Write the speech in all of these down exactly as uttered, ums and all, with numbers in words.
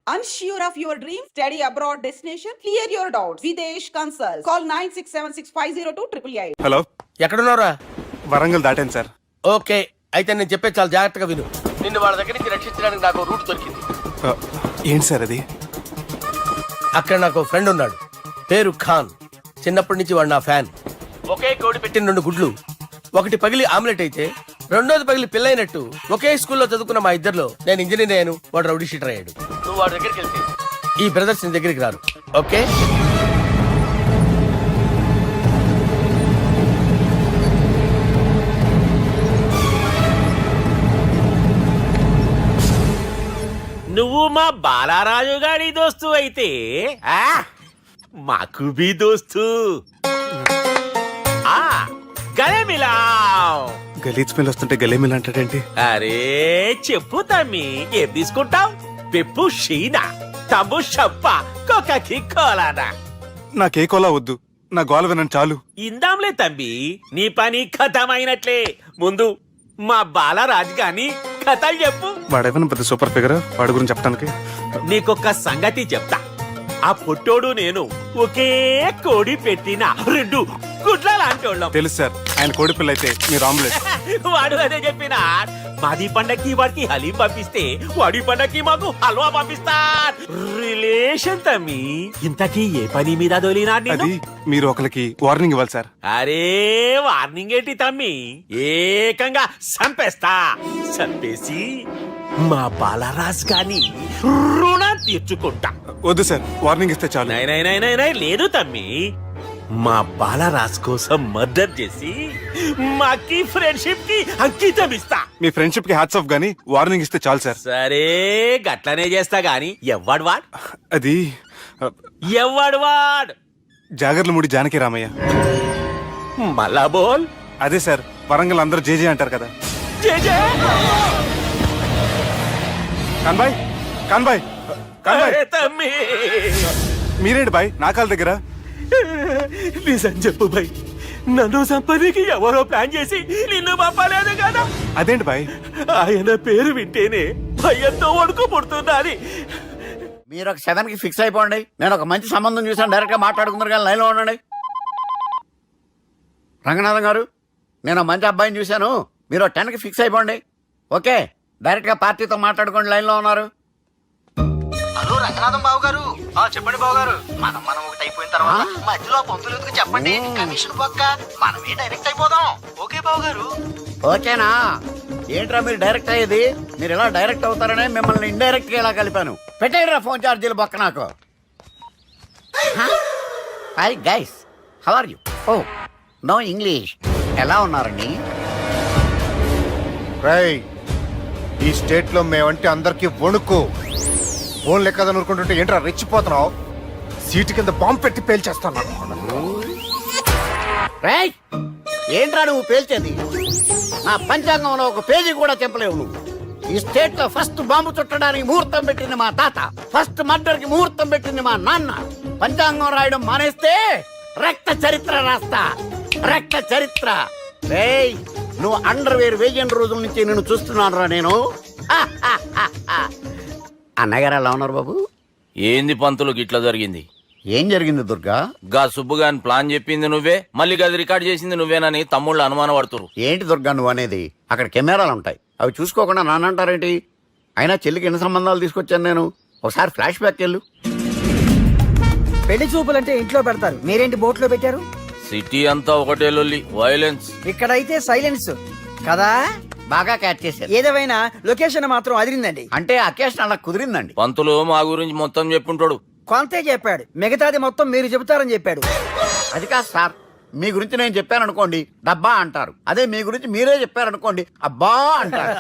Unsure of your dream? Study abroad destination? Clear your doubts. Videsh Consult. Call nine six seven six five zero two eight eight eight. Hello, ఎక్కడున్నారా? Warangal దాటాను sir. Okay, అయితే నేను చెప్పే చాలా జాగ్రత్తగా విను. నిన్ను వాళ్ళ దగ్గర నుంచి రక్షించడానికి నాకు రూట్ దొరికింది. ఆ, ఏంటి సార్ అది? అక్కడ నాకు ఫ్రెండ్ ఉన్నాడు, పేరు ఖాన్. చిన్నప్పటి నుంచి వాడు నా ఫ్యాన్. ఒకే కోడి పెట్టిన రెండు గుడ్లు, ఒకటి పగిలి ఆమ్లెట్ అయితే రెండోది పగిలి పిల్లైనట్టు ఒకే స్కూల్లో చదువుకున్న మా ఇద్దరిలో నేను ఇంజనీర్ అయ్యాను, వాడు రౌడీ షీటర్ అయ్యాడు. నువ్వు వాడి దగ్గరికి వెళ్తే ఈ బ్రదర్స్ నీ దగ్గరికి రారు. ఓకే, నువ్వు మా బాలారాజు గారి దోస్తు అయితే ఆ మాకు బి దోస్తు. ఆ గలే మిలావ్. గలీజ్ స్మెల్ వస్తుంటే గలేమిల్ అంటాడేంటి? అరే చెప్పు తమ్మి, ఏం తీసుకుంటావు? పెప్పు షీనా, తమ్ము షప్ప, కొకకి కోలానా? నాకే కోలా వద్దు, నా గోల వినండి చాలు. ఇందాంలే తమ్మి, నీ పని ఖతమైనట్లే. ముందు మా బాలరాజు గాని కథలు చెప్పు. వాడేమైనా పెద్ద సూపర్ ఫిగర్, వాడి గురించి చెప్పడానికి. నీకొక్క సంగతి చెప్తా. ఆ పొట్టోడు నేను ఒకే కోడి పెట్టిన రెండు గుడ్ల లాంటి వాళ్ళం. తెలుసు సార్, ఆయన కోడి పిల్ల అయితే మీరు ఆమ్లెట్. వాడు అదే చెప్పిన. మాది పండక్కి వాడికి హలీం పంపిస్తే వాడి పండక్కి మాకు హల్వా పంపిస్తా. రిలేషన్ తమ్మి. ఇంతకీ ఏ పని మీద దొలినా? అది మీరు ఒకరికి వార్నింగ్ ఇవ్వాలి సార్. అరే వార్నింగ్ ఏంటి తమ్మి, ఏకంగా చంపేస్తా. చంపేసి మా బాలరాజ్ గాని రుణం తీర్చుకుంటా. వద్దు సార్, వార్నింగ్ ఇస్తే చాలు. నై నై నై నై నై లేదు తమ్మి, మా బాలరాజ్ కోసం మర్డర్ చేసి మాకి ఫ్రెండ్షిప్ కి అంకితం ఇస్తా. మీ ఫ్రెండ్షిప్ కి హ్యాట్స్ ఆఫ్ గానీ వార్నింగ్ ఇస్తే చాలు సార్. సరే గట్లనే చేస్తా గాని ఎవ్వడు వాడ్? అది ఎవ్వడు వాడ్? జాగర్లమూడి జానకి రామయ్య. మళ్ళా బోల్. అదే సార్, వరంగల్ అందరూ జేజే అంటారు కదా. జే జే. కాన్బాయ్, కాన్బాయ్, కాన్బాయ్. అరే తమ్మి, మీరేంటి బాయ్ నా కాళ్ళ దగ్గర? నిజం చెప్పు భయ్, నన్ను సంపదికి ఎవరో ప్లాన్ చేసి నిన్ను పంపలేదు కదా? అదేంటి బాయ్? ఆయన పేరు వింటేనే భయంతో వణుకు పుడుతున్నది. మీరు ఒక సెవెన్ కి ఫిక్స్ అయిపోండి. నేను ఒక మంచి సంబంధం చూసాను, డైరెక్ట్ గా మాట్లాడుకున్నారు కానీ లైన్లో ఉండండి. రంగనాథం గారు, నేను ఒక మంచి అబ్బాయిని చూశాను, మీరు టెన్ కి ఫిక్స్ అయిపోండి. ఓకే, డైరెక్ట్ గా పార్టీతో మాట్లాడుకోండి. లైన్లో ఉన్నారు. హలో రంగనాథం బాబు గారు. చెప్పండి బాబు గారు. మనం మనం ఒకటి అయిపోయిన తర్వాత మధ్యలో పంతులు ఎందుకు చెప్పండి, కమిషన్ పక్క మనమే డైరెక్ట్ అయిపోదాం. ఓకే బాబు గారు. ఓకేనా? ఏంట్రా మీరు డైరెక్ట్ అయ్యేది? మీరు ఇలా డైరెక్ట్ అవుతారనే మిమ్మల్ని ఇండైరెక్ట్ గా ఇలా కలిపాను. పెట్టేయరా ఫోన్ ఛార్జీలు బొక్క నాకు. Hi guys, how are you? Oh no English. ఎలా ఉన్నారండి? రేయ్, ఈ స్టేట్ లో మేమంటే అందరికి వణుకు. ఫోన్ లెక్క అనుకుంటుంటే ఏంట్రా రెచ్చిపోతున్నావు? సీటు కింద బాంబు పెట్టి పేల్చేస్తాను. రేయ్, ఏంట్రా నువ్వు పేల్చేది? నా పంచాంగంలో ఒక పేజీ కూడా చెప్పలేవు నువ్వు. ఈ స్టేట్ లో ఫస్ట్ బాంబు చుట్టడానికి ముహూర్తం పెట్టింది మా తాత, ఫస్ట్ మర్డర్ కి ముహూర్తం పెట్టింది మా నాన్న. పంచాంగం రాయడం మానేస్తే రక్త చరిత్ర రాస్తా, రక్త చరిత్ర. రేయ్, నువ్వు అండర్ వేర్ వేయని రోజుల నుంచి నేను చూస్తున్నాను రా నేను. అన్నగారు ఎలా ఉన్నారు బాబు? ఏంది పంతులు గిట్లా జరిగింది? ఏం జరిగింది దుర్గా? గా సుబ్బుగాని ప్లాన్ చెప్పింది నువ్వే, మళ్ళీ గది రికార్డ్ చేసింది నువ్వేనని తమ్ముళ్ళు అనుమానం పడుతురు. ఏంటి దుర్గా నువ్వు అనేది? అక్కడ కెమెరాలు ఉంటాయి, అవి చూసుకోకుండా నానంటారేంటి? అయినా చెల్లికి ఎన్ని సంబంధాలు తీసుకొచ్చాను నేను. ఒకసారి ఫ్లాష్ బ్యాక్ వెళ్ళు. పెళ్లి చూపులంటే ఇంట్లో పెడతారు, మీరేంటి బోట్లో పెట్టారు? సిటీ అంతా ఒకటే లొల్లి, వైలెన్స్. ఇక్కడైతే సైలెన్స్ కదా. బాగా క్యాచ్ చేశారు. ఏదేమైనా లొకేషన్ మాత్రం అదిరిందండి. అంటే అకేషన్ అలా కుదిరిందండి. పంతులు మా గురించి మొత్తం చెప్పుంటాడు. కొంతే చెప్పాడు, మిగతాది మొత్తం మీరు చెబుతారని చెప్పాడు. అది కాదు సార్, మీ గురించి నేను చెప్పాను అనుకోండి డబ్బా అంటారు, అదే మీ గురించి మీరే చెప్పారనుకోండి అబ్బా అంటారు.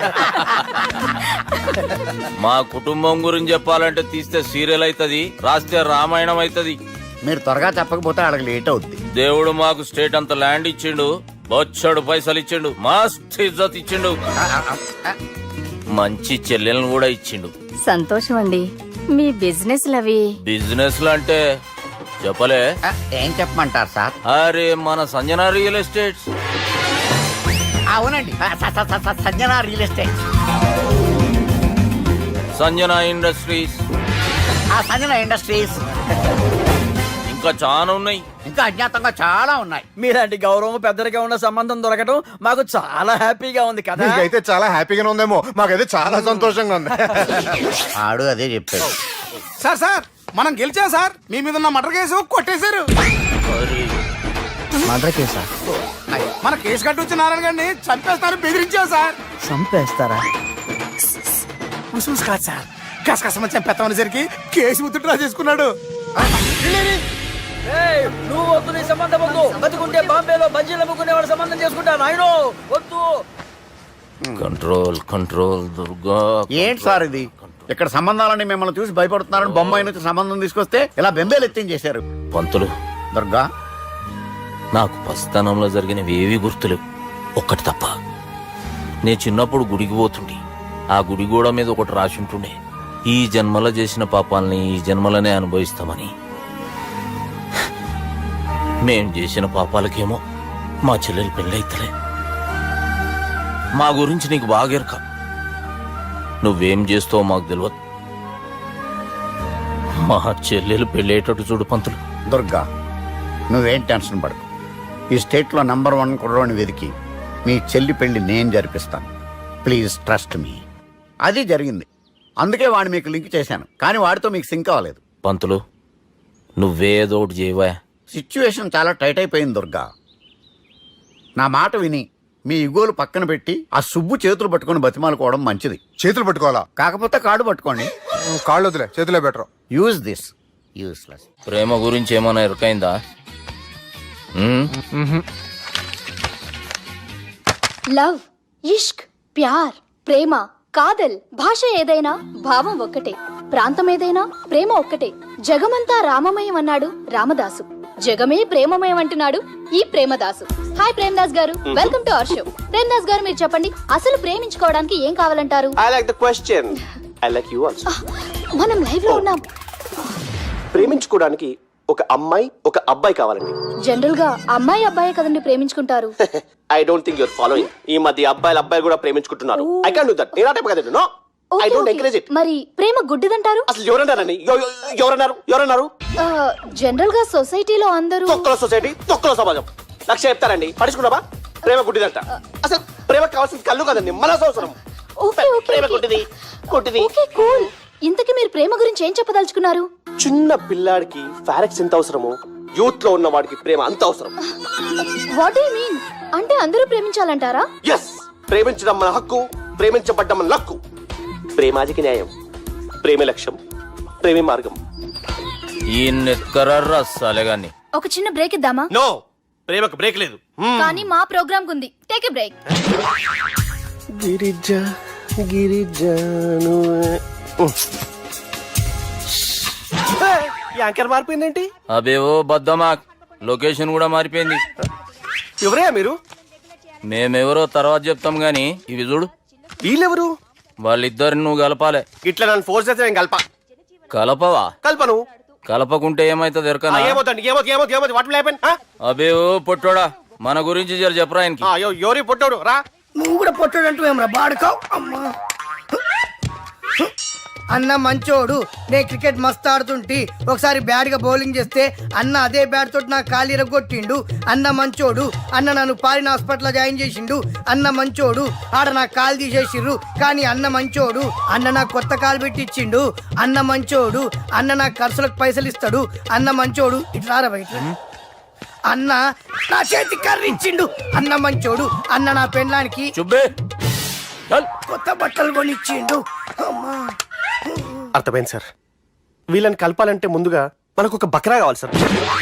మా కుటుంబం గురించి చెప్పాలంటే తీస్తే సీరియల్ అవుతుంది, రాస్తే రామాయణం అవుతుంది. మీరు త్వరగా చెప్పకపోతే వాళ్ళకి లేట్ అవుద్ది. దేవుడు మాకు స్టేట్ అంత ల్యాండ్ ఇచ్చిండు, బొచ్చడు పైసలు ఇచ్చిండు, మస్త్ ఇజ్జత్ ఇచ్చిండు, మంచి చెల్లెలను కూడా ఇచ్చిండు. సంతోషం అండి. మీ బిజినెస్ లవి బిజినెస్ అంటే చెప్పలే. ఏం చెప్పమంటారు సార్? అరే మన సంజన రియల్ ఎస్టేట్స్. అవునండి, Sanjana real estate, Sanjana industries, ఆ సంజన ఇండస్ట్రీస్, ఇంకా చాలా ఉన్నాయి. ఇంకా అజ్ఞాతంగా చాలా ఉన్నాయి. మీలాంటి గౌరవం పెద్దరిగా ఉన్న సంబంధం దొరకడం మాకు చాలా హ్యాపీగా ఉంది కదా. నీకైతే చాలా హ్యాపీగానే ఉందేమో, మాకైతే చాలా సంతోషంగా ఉంది. ఆడు అదే చెప్పాడు. సార్ సార్ మనం గెలిచాం సార్. మీ మీద ఉన్న మర్డర్ కేసు కొట్టేశారు. మర్డర్ కేసా? మన కేసు కట్టి నారాయణ గారిని చంపేస్తారు బెదిరించాం సార్. చంపేస్తారా? ఉసూస్ కాదు సార్, కసకసమని చంపేస్తామనేసరికి కేసు ముద్దుట్రా చేసుకున్నాడు. ఏయ్, నువ్వు వద్దు, నీ సంబంధం వద్దు. బతుకుంటే బాంబేలో బజ్జీలు అమ్ముకునే వాళ్ళ సంబంధం చేసుకుంటా నాయనో, వద్దు. Control control Durga. ఏంటి సార్ ఇది? ఇక్కడ సంబంధాలని మిమ్మల్ని చూసి భయపడుతున్నారని బొమ్మాయి నుంచి సంబంధం తీసుకొస్తే ఇలా బెంబేలు ఎత్తించేశారు. పంతులు, దుర్గా, నాకు పసితనంలో జరిగినవి ఏవి గుర్తులేవు, ఒక్కటి తప్ప. నే చిన్నప్పుడు గుడికి పోతుండే, ఆ గుడి గోడ మీద ఒకటి రాసి ఉంటుండే, ఈ జన్మలో చేసిన పాపాలని ఈ జన్మలనే అనుభవిస్తామని. మేం చేసిన పాపాలకేమో మా చెల్లెలు పెళ్ళైతలే. మా గురించి నీకు బాగెరక, నువ్వేం చేస్తావో మాకు తెలియదు. మా చెల్లెలు పెళ్ళేటట్టు చూడు పంతులు. దుర్గా, నువ్వేం టెన్షన్ పడకు. ఈ స్టేట్లో నంబర్ వన్ కుర్రోని వెతికి మీ చెల్లి పెళ్లి నేను జరిపిస్తాను. Please trust me. అది జరిగింది, అందుకే వాడిని మీకు లింక్ చేశాను, కానీ వాడితో మీకు సింక్ అవ్వలేదు. పంతులు, నువ్వేదో ఒకటి చేయవా. సిచ్యువేషన్ చాలా టైట్ అయిపోయింది దుర్గా. నా మాట విని మీ ఇగోలు పక్కన పెట్టి ఆ సుబ్బు చేతులు పట్టుకొని బతిమాలుకోవడం మంచిది. చేతులు పట్టుకోవాలా? కాకపోతే కాడు పట్టుకోండి. కాళ్ళు వదిలే, చేతులే బెటర్. Use this. యూస్లెస్. ప్రేమ గురించి ఏమైనా ఎరకైందా? లవ్, ఇష్క్, ప్యార్, ప్రేమ, కాదల్, భాష ఏదైనా భావం ఒక్కటే, ప్రాంతం ఏదైనా ప్రేమ ఒక్కటే. జగమంతా రామమయం అన్నాడు రామదాసు, జగమే ప్రేమమయం అంటున్నాడు ఈ ప్రేమదాసు. హాయ్ ప్రేమదాస్ గారు, welcome to our show. Premdas గారు, మీరు చెప్పండి, అసలు ప్రేమించుకోవడానికి ఏం కావాలంటారు? I like the question. I like you also. మనం లైవ్ లో ఉన్నాం. ప్రేమించుకోవడానికి ఒక అమ్మాయి ఒక అబ్బాయి కావాలండి. జనరల్ గా అమ్మాయి అబ్బాయే కదండి ప్రేమించుకుంటారు. I don't think your following. ఈ మధ్య అబ్బాయిలు అబ్బాయిలు కూడా ప్రేమించుకుంటున్నారు. I can't do that. నేను ఆ టైప్ కదండి. No, I don't encourage it. మరి ప్రేమ గుడ్డిదంటారు? అసలు ఎవరన్నారండి? ఎవ- ఎవ- ఎవరన్నారు? ఎవరన్నారు? జనరల్ గా సొసైటీలో అందరూ తొక్కల సొసైటీ, తొక్కల సమాజం లక్ష చెప్తారండి. పడుచుకున్నావా? ప్రేమ గుడ్డిదంట. అసలు ప్రేమ కావాల్సింది కళ్ళు కదండి, మనసు అవసరం. ఓకే, ఓకే, ప్రేమ ఓకే. గుడ్డిది, గుడ్డిది. Okay, cool. ఇంతకీ మీరు ప్రేమ గురించి ఏం చెప్పదలుచుకున్నారు? చిన్న పిల్లాడికి ఫారెక్స్ ఎంత అవసరమో యూత్ లో ఉన్న వాడికి ప్రేమ అంత అవసరం. What you mean? అంటే అందరూ ప్రేమించాలంటారా? ఎస్, ప్రేమించడం మన హక్కు, ప్రేమించబడ్డం మన లక్కు. ప్రేమాజికి న్యాయం, ప్రేమ లక్ష్యం, ప్రేమ మార్గం. ఈ నెత్కరర్రా సాలెగాన్ని. ఒక చిన్న బ్రేక్ ఇద్దామా? నో, ప్రేమకు బ్రేక్ లేదు. కానీ మా ప్రోగ్రామ్ కుంది. Take a break. గిరిజ గిరిజను యాంకర్ మారిపోయిందేంటి? అబేవో బద్దమా, లొకేషన్ కూడా మారిపోయింది. ఎవరయ్యా మీరు? మేమెవరో తర్వాత చెప్తాం గాని ఇవి చూడు. వీళ్ళెవరు? వాళ్ళిద్దరిని నువ్వు కలపాలే. ఇట్లా నన్ను ఫోర్స్ చేస్తే నేను కలప కలపవా? కల్పను. కలపకుంటే ఏమైతుంది ఎరకనా? ఏమవుతుంది ఏమవుతుంది ఏమవుతుంది ఏమవుతుంది వాట్ విల్ హ్యాపెన్? అబేవో పొట్టోడా, మన గురించి జర చెప్పరా ఆయనకి. ఎవరి పొట్టాడు రా. నువ్వు కూడా పొట్టాడంటూ ఏమరా బాడుకావు. అమ్మా అన్న మంచోడు, నేను క్రికెట్ మస్తు ఆడుతుంటి, ఒకసారి బ్యాట్ గా బౌలింగ్ చేస్తే అన్న అదే బ్యాట్ తోటి నా కాలు ఇరగొట్టిండు. అన్న మంచోడు, అన్న నన్ను పాలిన హాస్పిటల్ జాయిన్ చేసిండు. అన్న మంచోడు, ఆడ నా కాలు తీసేసిర్రు, కానీ అన్న మంచోడు, అన్న నాకు కొత్త కాలు పెట్టిచ్చిండు. అన్న మంచోడు, అన్న నాకు ఖర్చులకు పైసలు ఇస్తాడు. అన్న మంచోడు, ఇట్లా బయట అన్న నా చేతి కర్రీ ఇచ్చిండు. అన్న మంచోడు, అన్న నా పెండ్లానికి చుబ్బే చల్. కొత్త బట్టలు కొనిచ్చిండు. అమ్మా అర్థమైంది సార్. వీళ్ళని కలపాలంటే ముందుగా మనకు ఒక బక్రా కావాలి సార్.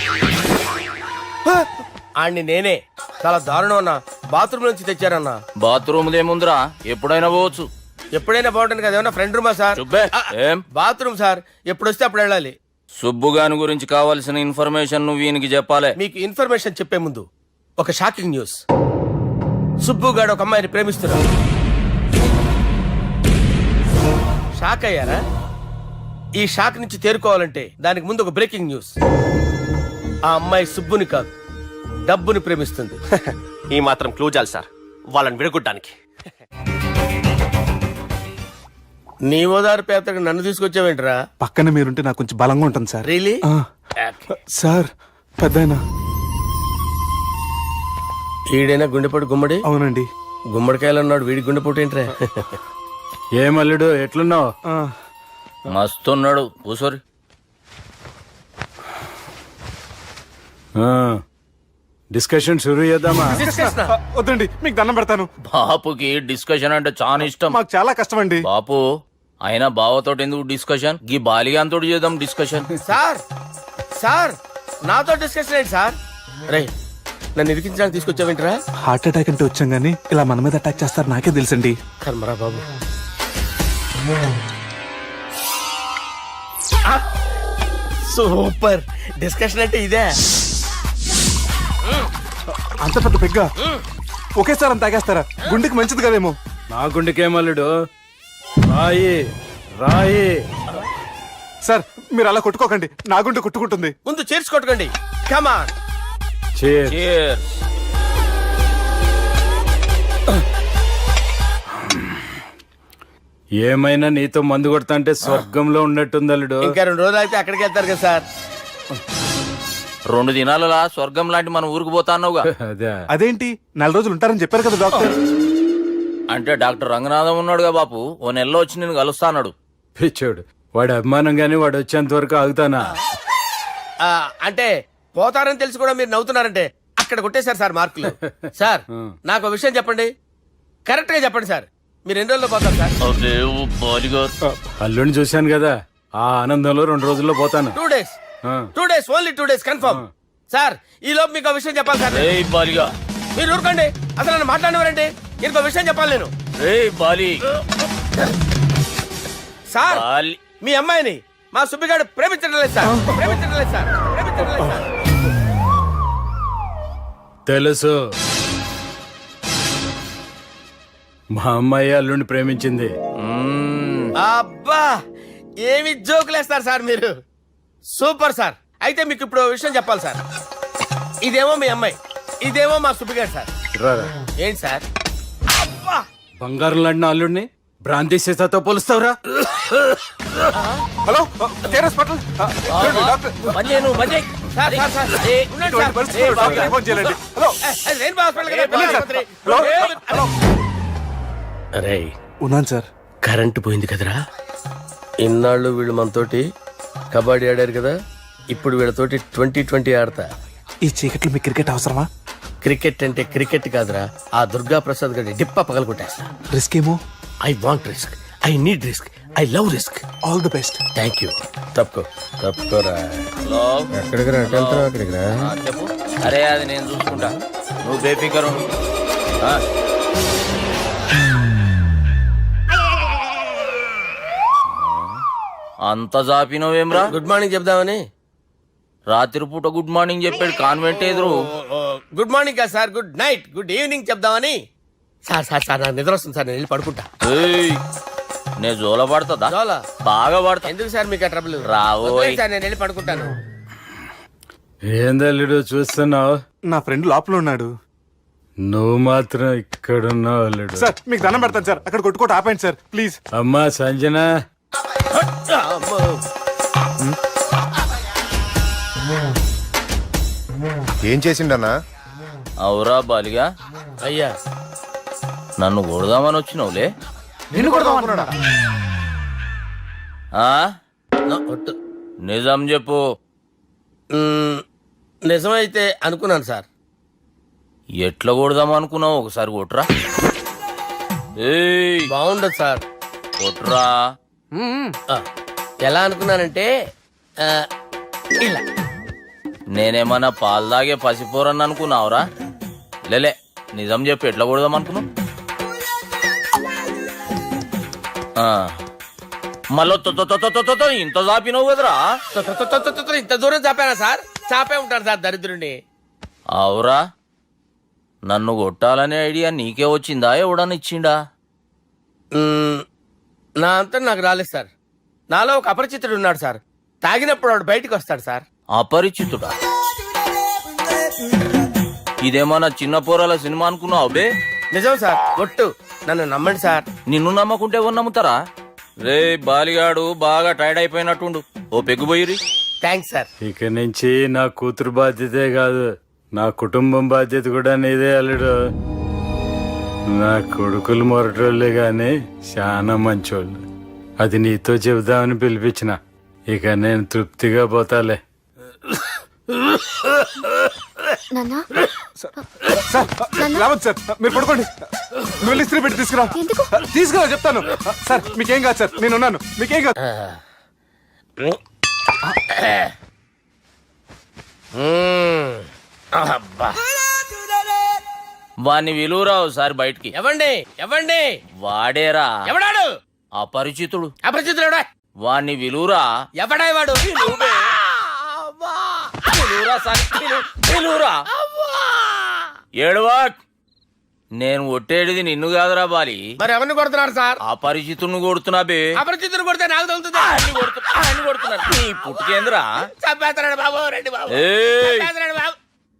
ఆడిని నేనే. చాలా దారుణం అన్న, బాత్రూమ్ నుంచి తెచ్చారన్నా. బాత్రూమ్ దేముందిరా, ఎప్పుడైనా పోవచ్చు. ఎప్పుడైనా బాగుంటుంది కదా. ఏమన్నా ఫ్రెండ్ రూమా సార్? చుబ్బే ఏం బాత్రూమ్ సార్, ఎప్పుడు వస్తే అప్పుడు వెళ్ళాలి. సుబ్బుగాని గురించి కావాల్సిన ఇన్ఫర్మేషన్ నువ్వు ఈయనకి చెప్పాలి. మీకు ఇన్ఫర్మేషన్ చెప్పే ముందు ఒక షాకింగ్ న్యూస్. సుబ్బుగాడు ఒక అమ్మాయిని ప్రేమిస్తున్నాడు. షాక్ అయ్యారా? ఈ షాక్ నుంచి తేరుకోవాలంటే దానికి ముందు ఒక బ్రేకింగ్ న్యూస్. ఆ అమ్మాయి సుబ్బుని కాదు, డబ్బుని ప్రేమిస్తుంది. ఈ మాత్రం క్లూ చాలు సార్ వాళ్ళని విడగొట్టడానికి. నీ ఓదారు పేదకు నన్ను తీసుకొచ్చావేంట్రా? పక్కన మీరుంటే నాకు కొంచెం బలంగా ఉంటుంది సార్. రియలీ? ఆ, సార్ పెద్దయినా. ఈడైనా గుండెపోటు గుమ్మడి? అవునండి. గుమ్మడికాయలు అన్నాడు, వీడి గుండెపోటు ఏంట్రా? ఏమల్లుడు ఎట్లున్నావు? ఆ, మస్తున్నాడు కూసోరి. డిస్కషన్ షురూ చేద్దామా? ఆ, వద్దండి, మీకు దండం పెడతాను. బాపుకి డిస్కషన్ అంటే చాలా ఇష్టం. మాకు చాలా కష్టం అండి. బాపు అయినా బావతో ఎందుకు డిస్కషన్? గీ బాలిగాంతో చేద్దాం డిస్కషన్. సార్ సార్ నాతో డిస్కషన్ ఏంటి సార్? రే నన్ను ఇరికించడానికి తీసుకొచ్చావేంట్రా? హార్ట్ అటాక్ అంటే వచ్చాం గానీ ఇలా మన మీద అటాక్ చేస్తారు నాకే తెలుసండి. కర్మరా బాబు. సూపర్ డిస్కషన్ అంటే ఇదే. అంత పెద్ద పెగ్గ ఒకేసారి అంత తాగేస్తారా? గుండెకి మంచిది కదేమో. నా గుండెకేమల్లుడు రాయి రాయి. సార్ మీరు అలా కొట్టుకోకండి, నా గుండె కొట్టుకుంటుంది. ముందు చేర్చి కొట్టుకోండి. కమాన్. Cheers. Cheers. ఏమైనా నీతో మందు కొడతా స్వర్గంలో ఉన్నట్టుంది అల్లుడు. ఇంకా రెండు రోజులు అయితే అక్కడికి వెళ్తారు కదా సార్. రెండు దినాలలా స్వర్గం లాంటి మన ఊరికి పోతా అన్నావుగా. అదే అదేంటి నెల రోజులు ఉంటారని చెప్పారు కదా డాక్టర్. అంటే డాక్టర్ రంగనాథం ఉన్నాడుగా బాపు, ఓ నెలలో వచ్చి నేను కలుస్తా అన్నాడు. పిచ్చోడు వాడు అభిమానం గాని వాడు వచ్చేంత వరకు ఆగుతానా? ఆ, అంటే పోతారని తెలిసి కూడా మీరు నవ్వుతున్నారంటే అక్కడ కొట్టేశారు సార్ మార్కులు. సార్ నాకు ఒక విషయం చెప్పండి, కరెక్ట్ గా చెప్పండి సార్. మీరు ఎన్ని రోజుల్లో పోతారు సార్? అదే ఓ బాలిగారు. అల్లుడిని చూశాను కదా, ఆ ఆనందంలో రెండు రోజుల్లో పోతాను. టూ డేస్ ఆ. Two days only two days confirm. Sir ఈ లోపు మీకు ఒక విషయం చెప్పాలి సార్. ఏయ్ బాలిగా, మీరు ఊరుకోండి, అసలు నన్ను మాట్లాడినవారండి. ఇంకో విషయం చెప్పాలి నేను. ఏయ్ బాలి. Sir Bali. మీ అమ్మాయిని మా సుబ్బిగాడు ప్రేమించడం లేదు సార్. ప్రేమించడం లేదు సార్. ప్రేమించడం లేదు సార్. తెలుసు, మా అమ్మాయి అల్లుడిని ప్రేమించింది. మ్మ్. అబ్బా ఏమి జోకులేస్తారు సార్ మీరు. Super sir. అయితే మీకు ఇప్పుడు ఓ విషయం చెప్పాలి సార్. ఇదేమో మీ అమ్మాయి, ఇదేమో మా సుబ్బిగాడు సార్. రారా. ఏంటి సార్? అబ్బా బంగారం లాంటి నా అల్లుడిని భ్రాంతి సీతాతో పోలుస్తావురా? Hello care hospital. ఆ, చూడండి, డాక్టర్. పని చేయను, పని చేయి. సార్ సార్ సార్ ఏ, ఉండండి ఇటువంటి సార్. పరిస్థితుల్లో డాక్టర్ని ఫోన్ చేయాలండి. హలో ఏ, అది రెయిన్బో హాస్పిటల్ కదా, వెళ్ళండి సార్. ఆసుపత్రి. హలో ఏ, హలో అరే ఉన్నాను సార్. కరెంటు పోయింది కదరా. ఇన్నాళ్ళు వీళ్ళు మనతోటి కబడ్డీ ఆడారు కదా, ఇప్పుడు వీళ్ళతోటి ట్వంటీ ట్వంటీ ఆడతా. ఈ చీకట్లో మీకు క్రికెట్ అవసరమా? క్రికెట్ అంటే క్రికెట్ కాదురా, ఆ దుర్గా ప్రసాద్ గారి డిప్ప పగల కొట్టేస్తా. రిస్క్ ఏమో. I want risk, I need risk, I love risk. All the best. Thank you. తప్పుకో తప్పుకోరా. హలో. ఎక్కడికి రా? వెళ్తారా అక్కడికి రా. ఆ, చెప్పు. అరే అది నేను చూసుకుంటా, నువ్వు బేఫికర్ ఉండు. ఆ. అంత జాపినవేమ్రా? గుడ్ మార్నింగ్ చెప్దామని. రాత్రి పూట గుడ్ మార్నింగ్ చెప్పాడు కాన్వెంట్ ఎదురు. గుడ్ మార్నింగ్ కాదు sir, good night, good evening చెప్దామని. సార్ సార్ సార్ నాకు నిద్ర వస్తుంది సార్, నేను వెళ్ళి పడుకుంటా. ఏయ్, నే జోల పడుతుందా? జోలా? బాగా పడతా. ఎందుకు సార్ మీకు ఆ ట్రబుల్? రావోయ్. వదిలేయ్ సార్, నేను వెళ్ళి పడుకుంటాను. ఏంది అల్లుడు చూస్తున్నావు? నా ఫ్రెండ్ లోపల ఉన్నాడు. నువ్వు మాత్రం ఇక్కడున్నావు అల్లుడు. సార్ మీకు దండం పెడతాను సార్, అక్కడ కొట్టుకోట ఆపండి సార్ ప్లీజ్. అమ్మా సంజన, అమ్మో. ఏం చేసిండన్నా? అవురా బాలిగా, అయ్యా నన్ను కొడదామని వచ్చినావులే. నిన్ను కొడదాం అనుకున్నాడా? ఆ? నా ఒట్టు. నిజం చెప్పు. మ్మ్, నిజమైతే అనుకున్నాను సార్. ఎట్లా కొడదాం అనుకున్నావు? ఒకసారి కొట్రా. ఏయ్, బాగుండదు సార్. కొట్రా. ఆ, ఎలా అనుకున్నానంటే ఆ, ఇలా. నేనేమన్నా పాలు తాగే పసిపోరని అనుకున్నావురా? లేలే, నిజం చెప్పు, ఎట్లా కొడదాం అనుకున్నావు? ఆ, మళ్ళీ తొ- తొ- తొ- తొ- తొ- తొ- తొ ఇంత చాపినావు కదరా? తొ- తొ- తొ- తొ- తొ- తొ- ఇంత దూరం చాపానా సార్? చాపే ఉంటాను సార్ దరిద్రుడిని. అవురా, నన్ను కొట్టాలనే ఐడియా నీకే వచ్చిందా? ఎవడని ఇచ్చిండా? మ్మ్, నా అంతా నాకు రాలేదు సార్. నాలో ఒక అపరిచితుడు ఉన్నాడు సార్. తాగినప్పుడు వాడు బయటికి వస్తాడు సార్. అపరిచితుడా? ఇదేమన్నా చిన్న పోరాల సినిమా అనుకున్నావు బే? నిజం సార్, ఒట్టు. నన్ను నమ్మండి సార్. నిన్ను నమ్మకుంటే ఎవరు నమ్ముతారా? రే బాలిగాడు బాగా టైర్డ్ అయిపోయినట్టుండు, ఓ పెగ్గు పోయిరి. Thanks sir. ఇక నుంచి నా కూతురు బాధ్యతే కాదు, నా కుటుంబం బాధ్యత కూడా నీదే అల్లుడు. నా కొడుకులు మొరటోళ్ళే గాని చాలా మంచోళ్ళు. అది నీతో చెబుదామని పిలిపించిన. ఇక నేను తృప్తిగా పోతాలే. నాన్నా సార్ రావద్దు సార్, మీరు పడుకోండి. నువ్వు వెళ్ళి ఇస్త్రీ పెట్టి తీసుకురా. ఎందుకు? తీసుకురా చెప్తాను. సార్ మీకేం కాదు సార్, నేను ఉన్నాను, మీకేం కాదు. మ్మ్. అబ్బా. వాణ్ణి విలువరా ఒకసారి బయటికి. ఎవండి ఎవండి వాడేరా ఎవడాడు? అపరిచితుడు. అపరిచితుడు ఎవడా? వాణ్ణి విలువరా. ఎవడా వాడు? విలువరా సార్, విలు- విలువరా. ఏడవా, నేను ఒట్టేడిది నిన్ను కాదురా బాలి, మరి ఎవరిని కొడుతున్నారు సార్? అపరిచితుడిని కొడుతున్నా బే. అపరిచితుడు కొడితే నాకు తగులుతుంది. ఆయన్ని కొడుతు- ఆయన్ని కొడుతున్నారు. నీ పుట్టుకేంద్రా. చంపేస్తున్నాడు బాబు, రండి బాబు. ఏయ్, చంపేస్తున్నాడు బాబు.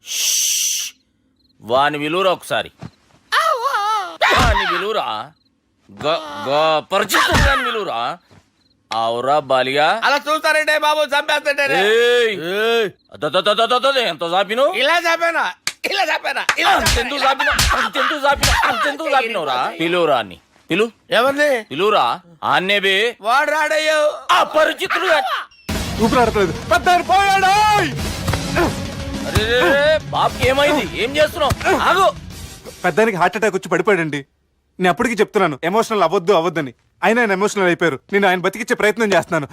వాని విలువరా ఒకసారి. వాని విలువరా. గ- గ- పరిచితుడు గాని విలువరా. అవురా బాలిగా. అలా చూస్తారంటే బాబు, చంపేస్తాడే. ఏయ్, అదదదదదదద, ఎంత చాపిను. ఇలా చంపేనా ఇలా చంపేనా ఇలా అంతెందుకు చాపిను, అంతెందుకు చాపిను, అంతెందుకు చాపినవురా. పిలువురా అన్ని పిలు ఎవరిని? పిలువురా. ఆన్నే బే. వాడు రాడయ్యో. అపరిచితుడు గాని. ఊపిరాడట్లేదు. పెద్ద ఆయన పోయాడు. అరే బాబుకి ఏమైంది? ఏం చేస్తున్నావు? ఆగు. పెద్దానికి హార్ట్ అటాక్ వచ్చి పడిపోయాడండి. నేను అప్పటికి చెప్తున్నాను ఎమోషనల్ అవ్వద్దు అవ్వద్దని. ఆయన ఆయన ఎమోషనల్ అయిపోయారు. నేను ఆయన బతికిచ్చే ప్రయత్నం చేస్తున్నాను.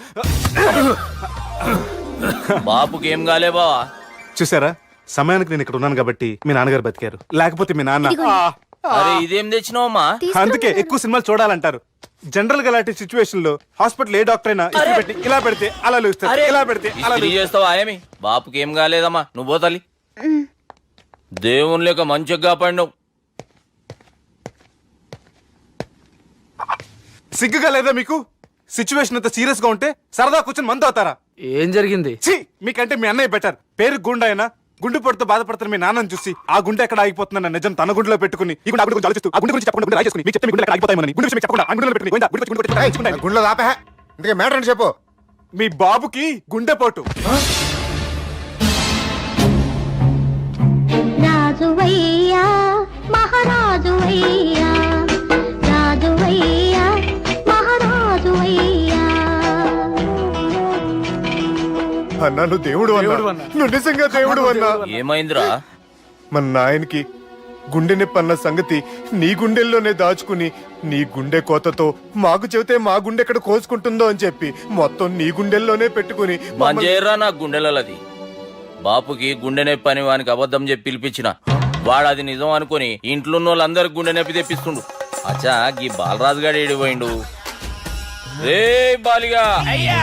బాబుకి ఏం కాలే బావా. చూసారా, సమయానికి నేను ఇక్కడ ఉన్నాను కాబట్టి మీ నాన్నగారు బతికారు. లేకపోతే మీ నాన్న ఆ, అరే ఇదేం తెచ్చినావమ్మా? అందుకే ఎక్కువ సినిమాలు చూడాలంటారు. జనరల్ గా అలాంటి సిచ్యువేషన్ లో హాస్పిటల్ ఏ డాక్టర్ అయినా ఇస్త్రీ పెట్టి ఇలా పెడితే అలా లూస్తారు, ఇలా పెడితే అలా ఇస్త్రీ చేస్తావా ఏమి? బాపుకి ఏం కాలేదమ్మా, నువ్వు పోతాలి. దేవుని లేక మంచిగా పండవు. సిగ్గుగా లేదా మీకు? సిచ్యువేషన్ అంత సీరియస్ గా ఉంటే సరదా కూర్చొని మందు అవుతారా? ఏం జరిగింది? ఛీ, మీకంటే మీ అన్నయ్య బెటర్. పేరు గుండె అయినా గుండు పొడితో బాధపడుతున్న మీ నాన్నని చూసి ఆ గుండె ఎక్కడ ఆగిపోతుందన్న నిజం తన గుండెలో పెట్టుకుని ఈ గుండె ఆ గుండె గురించి ఆలోచిస్తూ ఆ గుండె గురించి చెప్పకుండా గుండె రాజేసుకుని మీకు చెప్తే మీ గుండె ఎక్కడ ఆగిపోతాయని గుండె విషయం మీకు చెప్పకుండా ఆ గుండెలో పెట్టుకుని గోవిందా, గుండె వచ్చి గుండె కొట్టి రాయించుకుంటాను. గుండెలో దాపే. ఇందుకే మ్యాటర్ అని చెప్పు. మీ బాబుకి గుండెపోటు. రాజువయ్యా మహారాజువయ్యా, రాజువయ్యా మహారాజువయ్యా. అన్నా నువ్వు దేవుడు అన్నా, నువ్వు నిజంగా దేవుడు అన్నా. ఏమైందిరా? మన నాయనకి గుండె నొప్పి అన్న సంగతి నీ గుండెల్లోనే దాచుకుని నీ గుండె కోతతో మాకు చెబితే మా గుండె ఎక్కడ కోసుకుంటుందో అని చెప్పి మొత్తం నీ గుండెల్లోనే పెట్టుకుని మమ్మల్ని- మంజేరా నా గుండెలది. బాపుకి గుండె నొప్పి అని వానికి అబద్ధం చెప్పి పిలిపించిన వాడు అది నిజం అనుకుని ఇంట్లో ఉన్న వాళ్ళందరికి గుండె నొప్పి తెప్పిస్తుండు. అచ్చా గీ బాలరాజు గారు ఏడిపోయిండు. రే బాలిగా, అయ్యా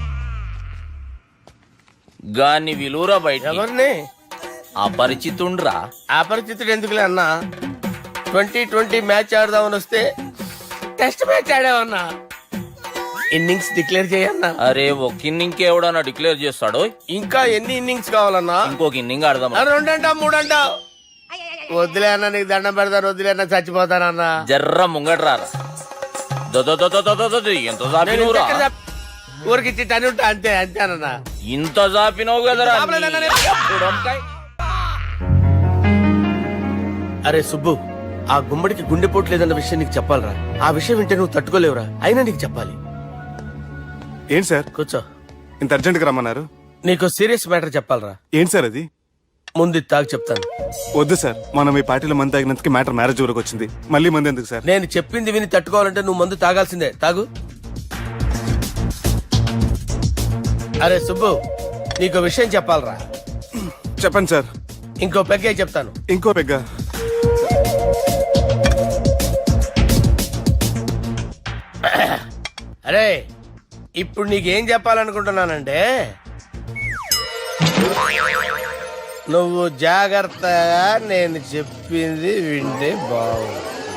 గాన్ని విలువరా బయట. ఎవరిని? అపరిచితుండ్రా. అపరిచితుడు ఎందుకులే అన్నా? ట్వంటీ ట్వంటీ మ్యాచ్ ఆడదామని వస్తే టెస్ట్ మ్యాచ్ ఆడామన్నా. ఇన్నింగ్స్ డిక్లేర్ చేయన్నా. అరే ఒక ఇన్నింగ్ ఎవడన్నా డిక్లేర్ చేస్తాడో? ఇంకా ఎన్ని ఇన్నింగ్స్ కావాలన్నా? ఇంకొక ఇన్నింగ్ ఆడదాం. రెండంటా మూడంటావు? వద్దులే అన్న, నీకు దండం పెడతాను. వద్దులే అన్న, చచ్చిపోతానన్నా. జర్ర ముంగట్రారా. ఎంత జాపినవురా? ఊరికి టని ఉంటా అంతే అంతేనన్నా. ఇంత జాపినవు కదరా. జాపలేదన్నా నేను. ఇప్పుడు వంకాయ్. అరే సుబ్బు, ఆ గుమ్మడికి గుండెపోటు లేదన్న విషయం నీకు చెప్పాలరా. ఆ విషయం వింటే నువ్వు తట్టుకోలేవురా. అయినా నీకు చెప్పాలి. ఏంటి సార్ కూర్చో. ఇంత అర్జెంట్ గా రమ్మన్నారు? నీకు సీరియస్ మ్యాటర్ చెప్పాలరా. ఏంటి సార్ అది? ముందు ఇది తాగు చెప్తాను. వద్దు సార్, మనం ఈ పార్టీలో మంది తాగినందుకు మ్యాటర్ మ్యారేజ్ వరకు వచ్చింది. మళ్ళీ మంది ఎందుకు సార్? నేను చెప్పింది విని తట్టుకోవాలంటే నువ్వు మందు తాగాల్సిందే. తాగు. అరే సుబ్బు, నీకు విషయం చెప్పాలరా. చెప్పండి సార్. ఇంకో పెగ్గే చెప్తాను. ఇంకో పెగ్గ. అరే ఇప్పుడు నీకేం చెప్పాలనుకుంటున్నానంటే, నువ్వు జాగ్రత్తగా నేను చెప్పింది వింటే బాగు.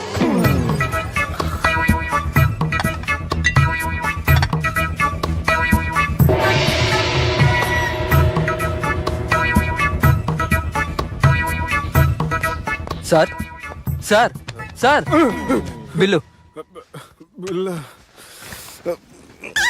Sir sir sir bill.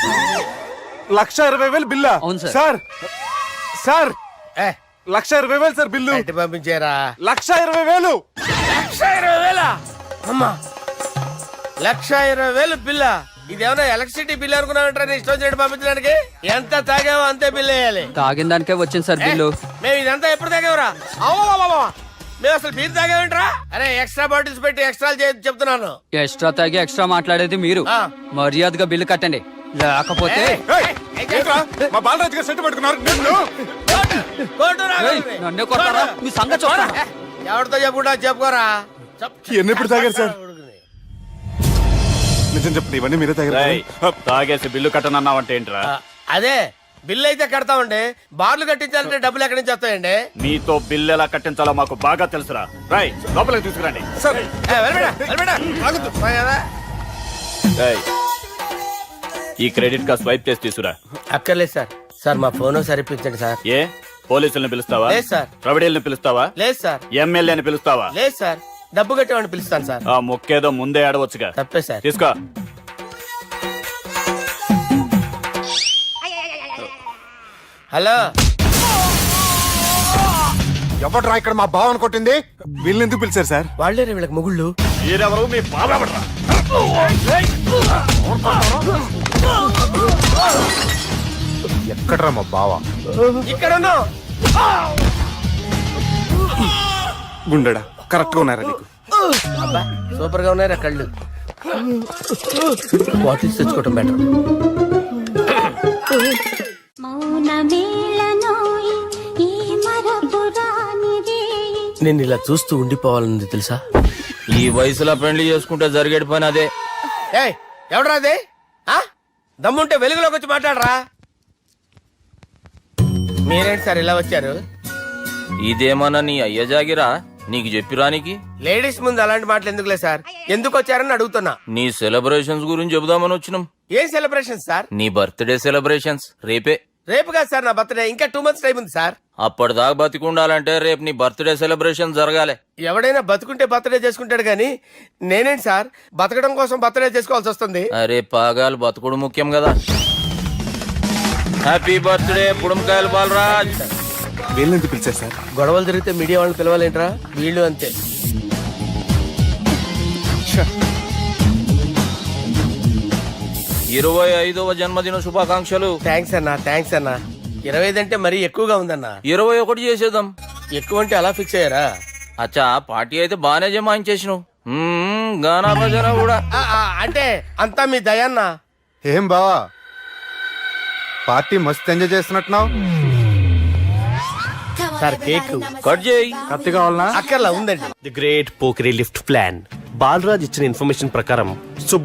లక్ష ఇరవై వేలు బిల్లా అవును సార్. సార్ సార్ ఏ, లక్ష ఇరవై వేలు సార్ బిల్లు బయట పంపించారా? లక్ష ఇరవై వేలు లక్ష ఇరవై వేల అమ్మా, లక్ష ఇరవై వేలు బిల్లా? ఇదేమన్నా ఎలక్ట్రిసిటీ బిల్ అనుకున్నామంటారా? నీ ఇష్టం వచ్చినట్టు పంపించడానికి ఎంత తాగావో అంతే బిల్ వేయాలి. తాగిన దానికే వచ్చింది సార్ బిల్లు. మేము ఇదంతా ఎప్పుడు తాగేవరా? అవ్వ, మేము అసలు బీర్ తాగేమంటారా? అరే ఎక్స్ట్రా బాటిల్స్ పెట్టి ఎక్స్ట్రా చెప్తున్నాను. ఎక్స్ట్రా తాగి ఎక్స్ట్రా మాట్లాడేది మీరు. ఆ. మర్యాదగా బిల్లు కట్టండి, లేకపోతే ఏయ్, ఏంట్రా? మా బాలరాజు గారు సెట్ పట్టుకున్నారు నిన్ను. కోర్టు రా. ఏయ్, నన్నే కొడతారా? మీ సంగతి చూడరా? ఎవరితో చెప్పుకుంటా చెప్పుకోరా. ఎన్ని ఎప్పుడు తాగారు సార్? నిజం చెప్పండి, ఇవన్నీ మీరే తాగారు. తాగేసి బిల్లు కట్టనన్నావంటే ఏంట్రా? ఆ, అదే బిల్లు అయితే కడతామండి, బార్లు కట్టించాలంటే డబ్బులు ఎక్కడి నుంచి వస్తాయండి? నీతో బిల్లు ఎలా కట్టించాలో మాకు బాగా తెలుసురా. రై లోపలికి తీసుకురండి. సార్ ఏ, వెళ్ళిపోయినా, వెళ్ళిపోయినా. పోయి కదా. రేయ్, ఈ క్రెడిట్ కార్డ్ స్వైప్ చేసి తీసుకురా. అక్కర్లేదు సార్. సార్ మా ఫోన్ సరిపించండి సార్. ఏ పోలీసుల్ని పిలుస్తావా? లేదు సార్. ప్రొవిడీల్ని పిలుస్తావా? లేదు సార్. ఎమ్మెల్యేని పిలుస్తావా? లేదు సార్. డబ్బు కట్టేవాడిని పిలుస్తాను సార్. ఆ మొక్కేదో ముందే ఆడవచ్చుగా. తప్పే సార్. తీసుకో. హలో, ఎవడ్రా ఇక్కడ మా బావని కొట్టింది? వీళ్ళని ఎందుకు పిలిచారు సార్? వాళ్ళే వీళ్ళకి మొగుళ్ళు. మీరెవరు? మీ బాబా ఎక్కడ్రా మా బావ? ఇక్కడ ఉన్నావు. గుండెడా కరెక్ట్ గా ఉన్నారా నీకు? అబ్బా, సూపర్ గా ఉన్నారా కళ్ళు. బాటిల్స్ తెచ్చుకోవటం బెటర్. నేను ఇలా చూస్తూ ఉండిపోవాలన్నది తెలుసా? ఈ వయసులో పెళ్లి చేసుకుంటే జరిగేటి పని అదే. ఏయ్, ఎవడరా అదే? ఆ? దమ్ముంటే వెలుగులోకి వచ్చి మాట్లాడరా. మీరేంటి సార్ ఇలా వచ్చారు? ఇదేమన్నా నీ అయ్య జాగిరా నీకు చెప్పిరానికి? లేడీస్ ముందు అలాంటి మాటలు ఎందుకులే సార్, ఎందుకు వచ్చారని అడుగుతున్నా. నీ సెలబ్రేషన్స్ గురించి చెబుదామని వచ్చినాం. ఏం సెలబ్రేషన్ సార్? నీ బర్త్డే సెలబ్రేషన్స్ రేపే. రేపు కాదు సార్ నా బర్త్డే, ఇంకా టూ మంత్స్ టైం ఉంది సార్. అప్పటిదాకా బతికుండాలంటే రేపు నీ బర్త్డే సెలబ్రేషన్ జరగాలి. ఎవడైనా బతుకుంటే బర్త్డే చేసుకుంటాడు గానీ నేనేంటి సార్ బతకడం కోసం బర్త్డే చేసుకోవాల్సి వస్తుంది? అరే పాగాలు బతుకుడు ముఖ్యం కదా. హ్యాపీ బర్త్డే పుడంకాయలు బాలరాజ్. వీళ్ళని ఎందుకు పిలిచారు సార్? గొడవలు జరిగితే మీడియా వాళ్ళని పిలవాలేంట్రా? వీళ్ళు అంతే. ఇరవై ఐదవ జన్మదిన శుభాకాంక్షలు. థ్యాంక్స్ అన్నా, థ్యాంక్స్ అన్నా. ఇరవై ఐదు అంటే మరీ ఎక్కువగా ఉందన్నా. ఇరవై ఒకటి చేసేద్దాం. ఎక్కువ అంటే అలా ఫిక్స్ అయ్యారా? అచ్చా పార్టీ అయితే బానే జమాయించేసినావు. మ్మ్, గానా భజన కూడా. ఆ, ఆ, అంటే అంతా మీ దయన్నా. ఏం బావా, పార్టీ మస్తు ఎంజాయ్ చేస్తున్నట్టున్నావు. సార్ కేక్ కట్ చేయి. కత్తి కావాలనా? అక్కర్లా ఉందండి. ది గ్రేట్ పోకరీ లిఫ్ట్ ప్లాన్. బాలరాజ్ ఇచ్చిన ఇన్ఫర్మేషన్ ప్రకారం